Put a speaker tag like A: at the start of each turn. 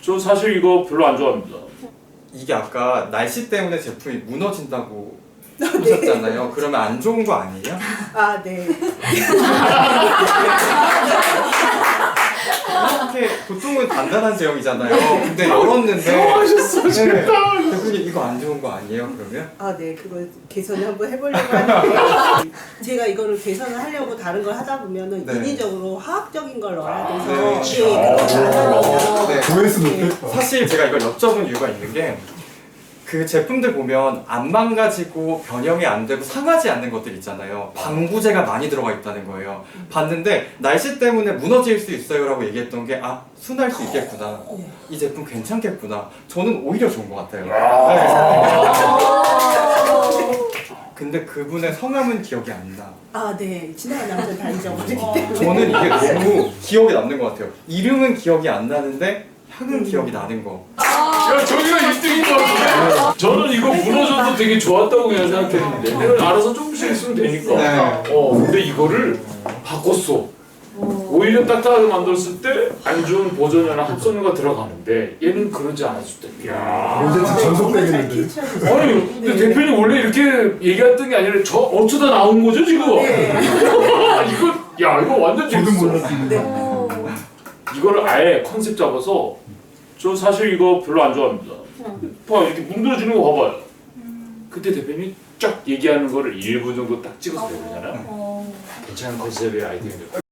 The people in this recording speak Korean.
A: 저 사실 이거 별로 안 좋아합니다.
B: 이게 아까 날씨 때문에 제품이 무너진다고 하셨잖아요. 그러면 안 좋은 거 아니에요?
C: 아, 네.
B: 이렇게 보통은 단단한 제형이잖아요. 근데 열었는데
A: 하셨어 진짜.
B: 대표님 이거 안 좋은 거 아니에요? 그러면?
C: 아, 네. 그걸 개선을 한번 해보려고 하는데 제가 이거를 개선을 하려고 다른 걸 하다 보면은
B: 네.
C: 인위적으로 화학적인 걸 넣어야 돼서
B: 네.
C: 그렇게 안 하니까.
B: 네.
D: 조회수 높겠다.
B: 사실 제가 이걸 여쭤본 이유가 있는 게 그 제품들 보면 안 망가지고 변형이 안 되고 상하지 않는 것들 있잖아요. 방부제가 많이 들어가 있다는 거예요. 봤는데 날씨 때문에 무너질 수 있어요 라고 얘기했던 게 아, 순할 수 있겠구나. 이 제품 괜찮겠구나. 저는 오히려 좋은 것 같아요. 네. 근데 그분의 성함은 기억이 안 나.
C: 아, 네. 지나간 남자는 다 잊어버리기 때문에.
B: 저는 이게 너무 기억에 남는 것 같아요. 이름은 기억이 안 나는데 향은 기억이 나는 거.
A: 야 저기가 1등인 것 같은데. 저는 이거 무너져도 되게 좋았다고 그냥 생각했는데 내가 알아서 조금씩 했으면 되니까.
B: 네.
A: 근데 이거를 바꿨어. 오히려 딱딱하게 만들었을 때 안 좋은 보존료나 합성료가 들어가는데 얘는 그러지 않았을 때. 야.
D: 언제쯤
C: 잘
D: 전속되겠는데.
C: 캐치하셨어요.
A: 아니 근데 대표님 원래 이렇게 얘기했던 게 아니라 저 어쩌다 나온 거죠 지금?
C: 네.
A: 이거 완전
D: 저도
A: 재밌어.
D: 몰랐습니다.
A: 이거를 아예 컨셉 잡아서 저 사실 이거 별로 안 좋아합니다. 봐 이렇게 뭉들어지는 거 봐봐요. 그때 대표님이 쫙 얘기하는 거를 1분 정도 딱 찍어서 내보잖아요. 괜찮은 컨셉의 아이디어인데